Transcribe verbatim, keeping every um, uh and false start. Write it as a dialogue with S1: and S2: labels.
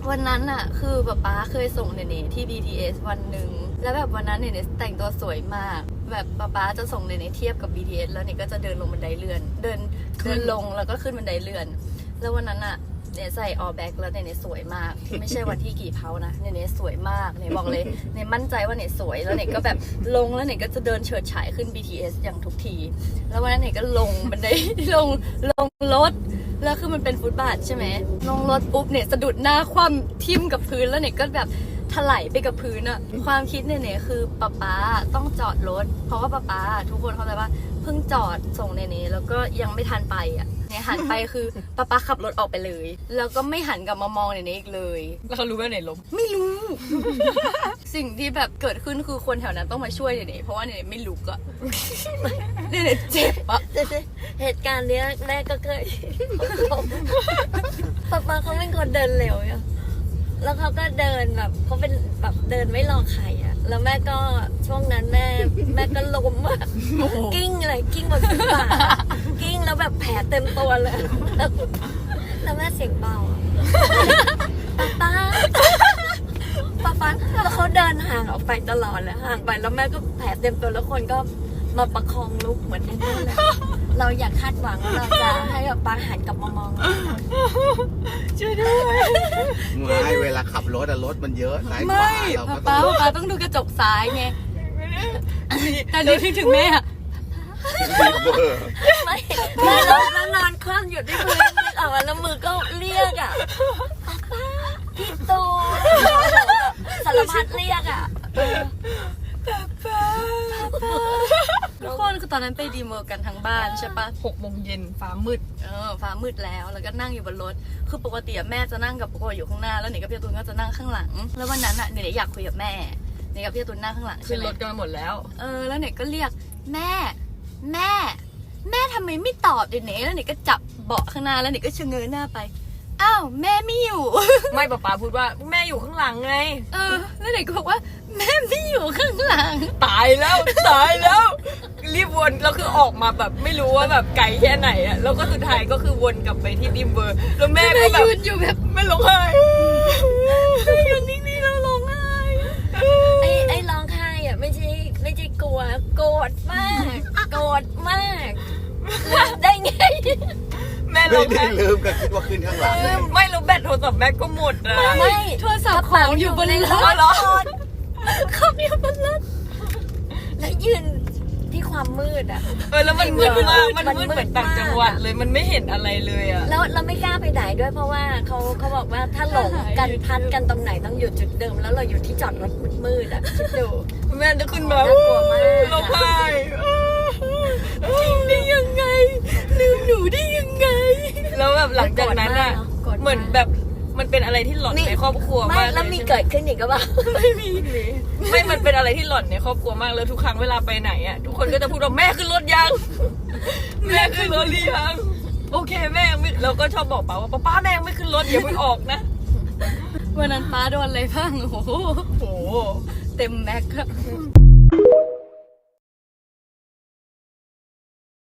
S1: วันนั้นอะคือป๊าป๊าเคยส่งเนเน่ที่ บี ที เอส วันหนึ่งแล้วแบบวันนั้นเนเน่แต่งตัวสวยมากแบบป๊าป๊าจะส่งเนเน่เทียบกับ บี ที เอส แล้วเนเน่ก็จะเดินลงบันไดเลื่อนเดินเดินลงแล้วก็ขึ้นบันไดเลื่อนแล้ววันนั้นอะเนเน่ใส่ออแบ็กแล้วเนเน่สวยมากไม่ใช่วันที่กี่เพานะเนเน่สวยมากเนเน่บอกเลยเนเน่มั่นใจว่าเนเน่สวยแล้วเนเน่ก็แบบลงแล้วเนเน่ก็จะเดินเฉิดฉายขึ้น บี ที เอส อย่างทุกทีแล้ววันนั้นเนเน่ก็ลงบันได ลงลงรถแล้วคือมันเป็นฟุตบาทใช่ไหมลงรถปุ๊บเนี่ยสะดุดหน้าคว่ำทิ่มกับพื้นแล้วเนี่ยก็แบบถลายไปกับพื้นอะความคิดเนี่ยเนี่ยคือป๊าป๊าต้องจอดรถเพราะว่าป๊าป๊าทุกคนเข้าใจว่าเพิ่งจอดส่งเนเน่แล้วก็ยังไม่ทันไปอะเนี่ยหันไปคือป๊าป๊าขับรถออกไปเลยแล้วก็ไม่หันกลับมามองเนเน่อีกเลย
S2: แล้วเขารู้ว่าไหนล้ม
S1: ไม่รู้ สิ่งที่แบบเกิดขึ้นคือคนแถวนั้นต้องมาช่วยเนเน่เพราะว่าเนเน่ไม่ลุกอะเนเน่เจ็บอะ
S3: เหตุการณ์เนี้ยแม่ก็เคยป๊าป๊าเขาเป็นคนเดินเร็วอะแล้วเขาก็เดินแบบเขาเป็นแบบเดินไม่รอใครอะแล้วแม่ก็ช่วงนั้นแม่แม่ก็ล้มอะกิ้งเลยกิ้งบนฟุตบาทกิ้งแล้วแบบแผลเต็มตัวเลยแล้วแม่เสียงเบาป๊าป๊าป๊าป๊าแล้วเขาเดินห่างออกไปตลอดเลยห่างไปแล้วแม่ก็แผลเต็มตัวแล้วคนก็มาประคองลุกเหมือนนั่นเลยเราอยากคาดหวังเราจะให้ป๊าป๊าหันกลับมามอง
S1: ช่วยด้วย
S4: ไม่เวลาขับรถอะรถมันเยอะซ้ายขวาเราก็
S1: ป๊าป๊าต้องดูกระจกซ้ายไงแต่ดูถึงถึงแม่อะ
S3: ไม่ไม่แล้วแล้วนอนคว่ำอยู่ที่พื้นนึกออกมาแล้วมือก็เรียกอ่ะป๊าพี่โตสารพัดเรียกอ่ะ
S1: ทุกคนคือตอนนั้นไปดีเมอร์กันทั้งบ้านใช่ปะ
S2: หกโมงเย็นฟ้ามืด
S1: เออฟ้ามืดแล้วแล้วก็นั่งอยู่บนรถคือปกติแม่จะนั่งกับปกติอยู่ข้างหน้าแล้วเนยกับพี่ตูนก็จะนั่งข้างหลังแล้ววันนั้นอ่ะเนยอยากคุยกับแม่เนยกับพี่ตูนนั่งข้างหลัง
S2: ขึ้นรถกันหมดแล้ว
S1: เออแล้วเนยก็เรียกแม่แม่แม่ทำไมไม่ตอบเดี๋ยวเนยแล้วเนยก็จับเบาะข้างหน้าแล้วเนยก็ชะเง้อหน้าไปอ้าวแม่ไม่อยู่
S2: ไม่ป๊าป๊าพูดว่าแม่อยู่ข้างหลังไง
S1: เออแล้วเนยก็บอกว่าแม่ไม่อยู่ข้างหลัง
S2: ตายแล้วตายแล้วรีบวนแล้วคือออกมาแบบไม่รู้ว่าแบบไกลแค่ไหนอะแล้วก็สุดท้ายก็คือวนกลับไปที่ดิมเบอร์แล้วแม่ก็แบบ
S1: ยืนอยู่แบบ
S2: ไม่ร้องไห้
S1: ยืนนิ่งๆแล้วร้องไห้
S3: ไอ้ไอ้ร้องไห้อะไม่ใช่ไม่ใช่กลัวโกรธมากโกรธมากได้ไง
S2: แม่
S4: ไม่ได้ลืมก็คิดว่าขึ้นข้างหลัง
S2: ไม่รู้แบตโทรศัพท์แม่ก็หมดอะ
S3: ไม่
S1: โทรศัพท์ของอยู่บนรถเขาอยู่บนรถ
S3: แล้วยืนที่ความมืดอ่ะ
S2: เออแล้วมันมืดมากมันมืดเหมือนต่างจังหวัดเลยมันไม่เห็นอะไรเลยอ่ะ
S3: แล้วเราไม่กล้าไปไหนด้วยเพราะว่าเขาเขาบอกว่าถ้าหลงกันพันกันตรงไหนต้องอยู่จุดเดิมแล้วเราอยู่ที่จอดรถมืดๆอ่ะคิดดู
S2: แม่จะขึ้นมา
S3: น่ากลัวมาก
S2: ร้องไห้
S1: ทิ้งได้ยังไงลืมหนูได้ยังไง
S2: แล้วแบบหลังจากนั้นอ่ะเหมือนแบบมันเป็นอะไรที่หลอนในครอบครัวมาก
S3: แล้วมีเกิดขึ้นอีกก็บ้าง
S1: ไม่มี
S2: ไม่มันเป็นอะไรที่หลอนในครอบครัวมากแล้วทุกครั้งเวลาไปไหนอ่ะทุกคนก็จะพูดว่าแม่ขึ้นรถยังแม่ขึ้นรถหรือยังโอเคแม่ไม่เราก็ชอบบอกป้าว่าป้าแม่ไม่ขึ้นรถอย่าเพิ่งออกนะ
S1: วันนั้นป้าโดนอะไรบ้างโอ้โหเต็มแม็ก